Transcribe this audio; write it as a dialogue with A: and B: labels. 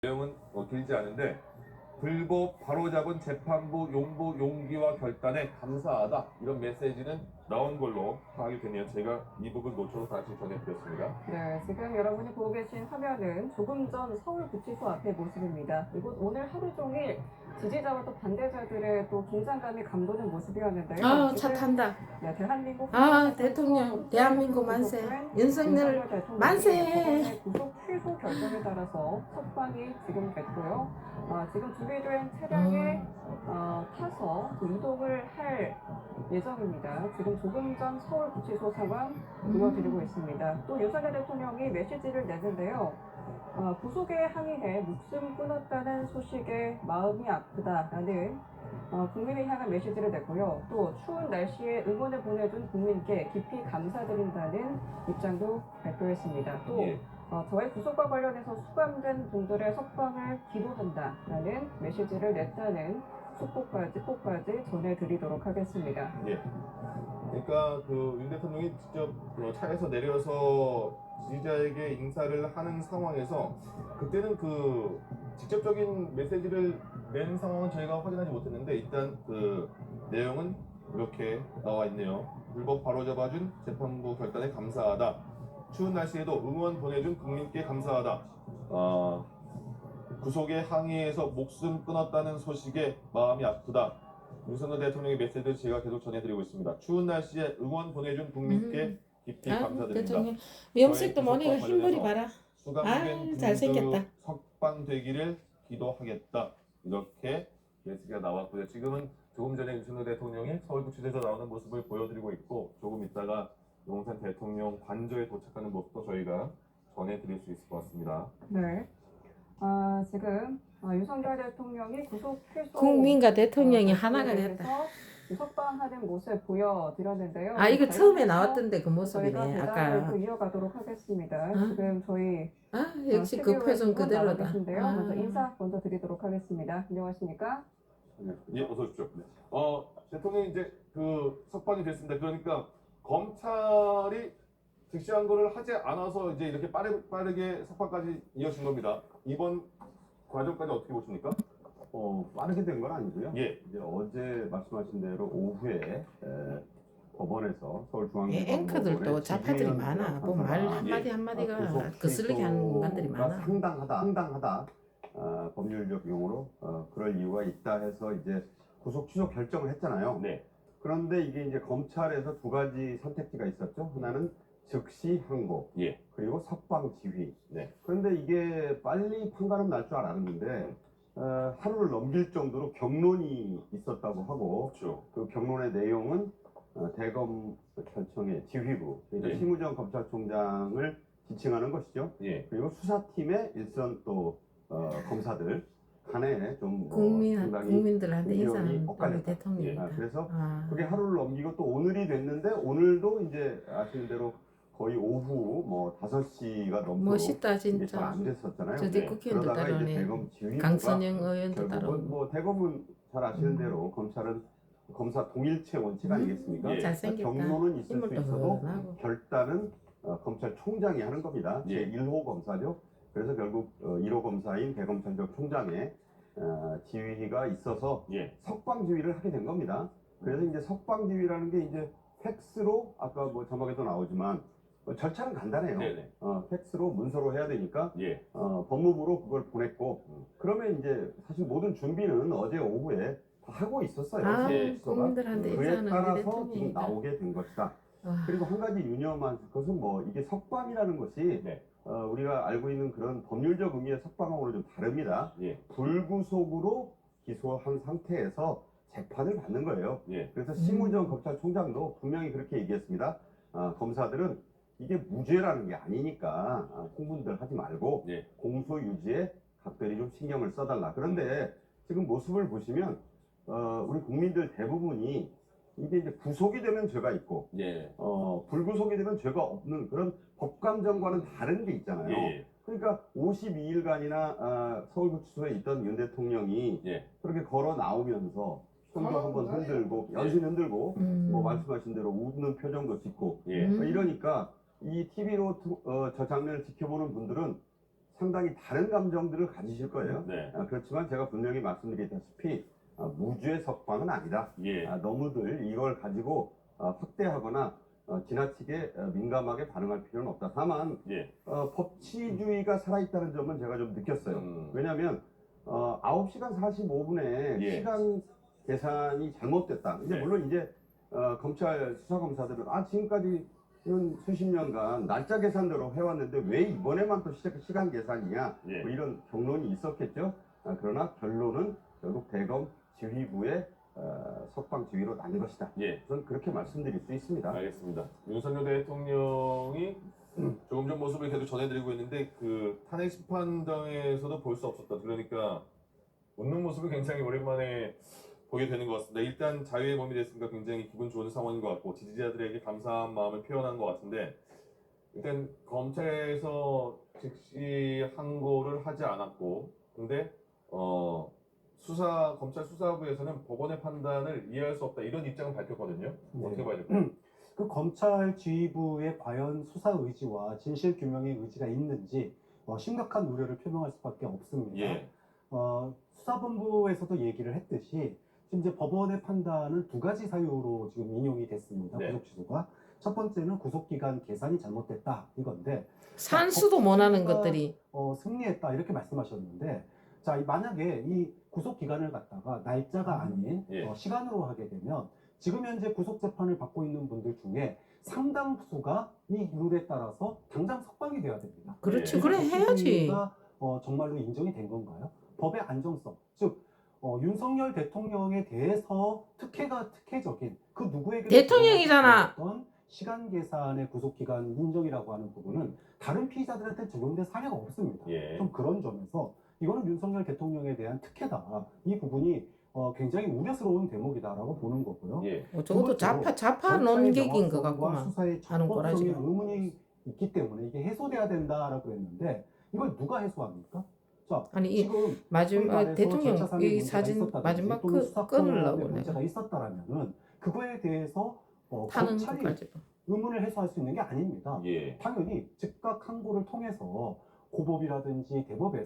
A: 내용은 길지 않은데 불법 바로잡은 재판부 용부 용기와 결단에 감사하다 이런 메시지는 나온 걸로 파악이 되네요. 제가 이 부분 노트로 다시 전해드렸습니다.
B: 네, 지금 여러분이 보고 계신 화면은 조금 전 서울구치소 앞의 모습입니다. 이곳 오늘 하루 종일 지지자와 또 반대자들의 또 긴장감이 감도는 모습이었는데요.
C: 아, 차 탄다.
B: 네, 대한민국
C: 대통령, 대한민국 만세. 윤석열 만세.
B: 구속 취소 결정에 따라서 석방이 지금 됐고요. 지금 준비된 차량에 타서 이동을 할 예정입니다. 지금 조금 전 서울구치소 상황 보여드리고 있습니다. 또 윤석열 대통령이 메시지를 내는데요. 구속에 항의해 목숨 끊었다는 소식에 마음이 아프다라는 국민을 향한 메시지를 냈고요. 또 추운 날씨에 응원을 보내준 국민께 깊이 감사드린다는 입장도 발표했습니다. 또 저의 구속과 관련해서 수감된 분들의 석방을 기도한다라는 메시지를 냈다는 속보까지 전해드리도록 하겠습니다.
A: 예. 그러니까 윤 대통령이 직접 차에서 내려서 지지자에게 인사를 하는 상황에서 그때는 직접적인 메시지를 낸 상황은 저희가 확인하지 못했는데 일단 내용은 이렇게 나와 있네요. 불법 바로잡아준 재판부 결단에 감사하다. 추운 날씨에도 응원 보내준 국민께 감사하다. 구속에 항의해서 목숨 끊었다는 소식에 마음이 아프다. 윤석열 대통령의 메시지를 제가 계속 전해드리고 있습니다. 추운 날씨에 응원 보내준 국민께 깊이 감사드립니다.
C: 대통령 염색도 뭐니가 흰머리 봐라.
A: 수감된 분들
C: 잘생겼다.
A: 석방되기를 기도하겠다. 이렇게 메시지가 나왔고요. 지금은 조금 전에 윤석열 대통령이 서울구치소에서 나오는 모습을 보여드리고 있고 조금 있다가 용산 대통령 관저에 도착하는 모습도 저희가 전해드릴 수 있을 것 같습니다.
B: 네. 지금 윤석열 대통령이 구속 취소
C: 국민과 대통령이 하나가 됐다.
B: 석방하는 모습 보여드렸는데요.
C: 이거 처음에 나왔던데 그 모습이네.
B: 저희가
C: 아까.
B: 또 이어가도록 하겠습니다. 지금 저희
C: 역시 그 표정 그대로다.
B: 먼저 인사 먼저 드리도록 하겠습니다. 안녕하십니까?
A: 예, 어서 오십시오. 대통령이 이제 석방이 됐습니다. 그러니까 검찰이 즉시한 거를 하지 않아서 이제 이렇게 빠르게 석방까지 이어진 겁니다. 이번 과정까지 어떻게 보십니까?
D: 빠르게 된 건 아니고요.
A: 예.
D: 이제 어제 말씀하신 대로 오후에 법원에서 서울중앙지검
C: 앵커들도 자파들이 많아. 뭐 말 한마디 한마디가 거슬리게 하는 인간들이 많아.
D: 상당하다. 법률적 용어로 그럴 이유가 있다 해서 이제 구속 취소 결정을 했잖아요.
A: 네.
D: 그런데 이게 이제 검찰에서 두 가지 선택지가 있었죠. 하나는 즉시 항고,
A: 예.
D: 그리고 석방 지휘.
A: 네.
D: 그런데 이게 빨리 판가름 날 줄 알았는데 하루를 넘길 정도로 경론이 있었다고 하고,
A: 그렇죠.
D: 그 경론의 내용은 대검찰청의 지휘부, 그러니까
A: 예.
D: 심우정 검찰총장을 지칭하는 것이죠.
A: 예.
D: 그리고 수사팀의 일선 또 검사들 간에 좀
C: 국민들한테
D: 의견이
C: 인사하는
D: 엇갈렸다.
C: 대통령이다.
D: 그래서 그게 하루를 넘기고 또 오늘이 됐는데 오늘도 이제 아시는 대로 거의 오후 뭐 5시가 넘도록
C: 멋있다
D: 이게 잘
C: 진짜.
D: 안 됐었잖아요.
C: 저기 국회의원도
D: 그러다가 이제
C: 따라오네.
D: 대검 지휘부가
C: 강선영 의원도
D: 결국은
C: 따라오고.
D: 뭐 대검은 잘 아시는 대로 검찰은 검사 동일체 원칙 아니겠습니까?
A: 예.
C: 잘생겼다.
D: 경로는 있을 수
C: 인물도
D: 있어도
C: 훤하고.
D: 결단은 검찰총장이 하는 겁니다.
A: 예.
D: 제1호 검사죠. 그래서 결국 1호 검사인 대검찰청 총장의 지휘가 있어서
A: 예.
D: 석방 지휘를 하게 된 겁니다. 그래서 이제 석방 지휘라는 게 이제 팩스로 아까 뭐 자막에도 나오지만 절차는 간단해요.
A: 네네.
D: 팩스로 문서로 해야 되니까
A: 예.
D: 법무부로 그걸 보냈고 그러면 이제 사실 모든 준비는 어제 오후에 다 하고 있었어요.
C: 국민들한테
D: 그에
C: 인사하는
D: 따라서 지금
C: 대통령이다.
D: 나오게 된 것이다.
C: 와.
D: 그리고 한 가지 유념한 것은 뭐 이게 석방이라는 것이
A: 네.
D: 우리가 알고 있는 그런 법률적 의미의 석방하고는 좀 다릅니다.
A: 예.
D: 불구속으로 기소한 상태에서 재판을 받는 거예요.
A: 예.
D: 그래서 심우정 검찰총장도 분명히 그렇게 얘기했습니다. 검사들은 이게 무죄라는 게 아니니까 홍분들 하지 말고
A: 예.
D: 공소 유지에 각별히 좀 신경을 써달라. 그런데 지금 모습을 보시면 우리 국민들 대부분이 이게 이제 구속이 되면 죄가 있고
A: 예.
D: 불구속이 되면 죄가 없는 그런 법감정과는 다른 게 있잖아요.
A: 예.
D: 그러니까 52일간이나 서울구치소에 있던 윤 대통령이
A: 예.
D: 그렇게 걸어 나오면서 손도 한번 흔들고 연신 흔들고 뭐 말씀하신 대로 웃는 표정도 짓고
A: 예.
D: 이러니까 이 TV로 저 장면을 지켜보는 분들은 상당히 다른 감정들을 가지실 거예요.
A: 네.
D: 그렇지만 제가 분명히 말씀드렸다시피 무죄 석방은 아니다.
A: 예.
D: 너무들 이걸 가지고 확대하거나 지나치게 민감하게 반응할 필요는 없다. 다만
A: 예.
D: 법치주의가 살아있다는 점은 제가 좀 느꼈어요. 왜냐하면 9시간 45분에
A: 예.
D: 시간 계산이 잘못됐다. 근데
A: 네.
D: 물론 이제 검찰 수사검사들은 지금까지는 수십 년간 날짜 계산대로 해왔는데 왜 이번에만 또 시간 계산이냐,
A: 예.
D: 뭐 이런 경론이 있었겠죠. 그러나 결론은 결국 대검 지휘부의 석방 지휘로 난 것이다.
A: 예.
D: 저는 그렇게 말씀드릴 수 있습니다.
A: 알겠습니다. 윤석열 대통령이 조금 전 모습을 계속 전해드리고 있는데 그 탄핵 심판장에서도 볼 수 없었다. 그러니까 웃는 모습을 굉장히 오랜만에 보게 되는 것 같습니다. 일단 자유의 몸이 됐으니까 굉장히 기분 좋은 상황인 것 같고 지지자들에게 감사한 마음을 표현한 것 같은데 일단 검찰에서 즉시 항고를 하지 않았고 근데 검찰 수사부에서는 법원의 판단을 이해할 수 없다 이런 입장을 밝혔거든요.
E: 네.
A: 어떻게 봐야 될까요?
E: 그 검찰 지휘부의 과연 수사 의지와 진실 규명의 의지가 있는지 심각한 우려를 표명할 수밖에 없습니다.
A: 예.
E: 수사본부에서도 얘기를 했듯이 지금 이제 법원의 판단은 두 가지 사유로 지금 인용이 됐습니다.
A: 네.
E: 구속 취소가. 첫 번째는 구속기간 계산이 잘못됐다 이건데
C: 산수도 못하는
E: 법치가,
C: 것들이
E: 승리했다 이렇게 말씀하셨는데 자 만약에 이 구속기간을 갖다가 날짜가 아닌
A: 예.
E: 시간으로 하게 되면 지금 현재 구속재판을 받고 있는 분들 중에 상당수가 이 룰에 따라서 당장 석방이 돼야 됩니다.
C: 그렇지.
A: 예.
C: 그래 해야지.
E: 법치주의가, 정말로 인정이 된 건가요? 법의 안정성, 즉 윤석열 대통령에 대해서 특혜적인 그 누구에게
C: 대통령이잖아.
E: 시간 계산의 구속기간 인정이라고 하는 부분은 다른 피의자들한테 적용된 사례가 없습니다.
A: 예.
E: 좀 그런 점에서 이거는 윤석열 대통령에 대한 특혜다. 이 부분이 굉장히 우려스러운 대목이다라고 보는 거고요.
A: 예.
C: 적어도 좌파 논객인 것 같구만.
E: 수사의
C: 하는 거라,
E: 적법성에
C: 지금.
E: 의문이 있기 때문에 이게 해소돼야 된다라고 했는데 이걸 누가 해소합니까? 자,
C: 아니 이
E: 지금
C: 마지막 대통령
E: 절차상의
C: 이
E: 문제가
C: 사진
E: 있었다든지
C: 마지막
E: 또는
C: 그
E: 수사권의
C: 끊으려고 내가
E: 문제가 있었다라면은 그거에 대해서
C: 타는
E: 검찰이
C: 것까지.
E: 의문을 해소할 수 있는 게 아닙니다.
A: 예.
E: 당연히 즉각 항고를 통해서 고법이라든지 대법에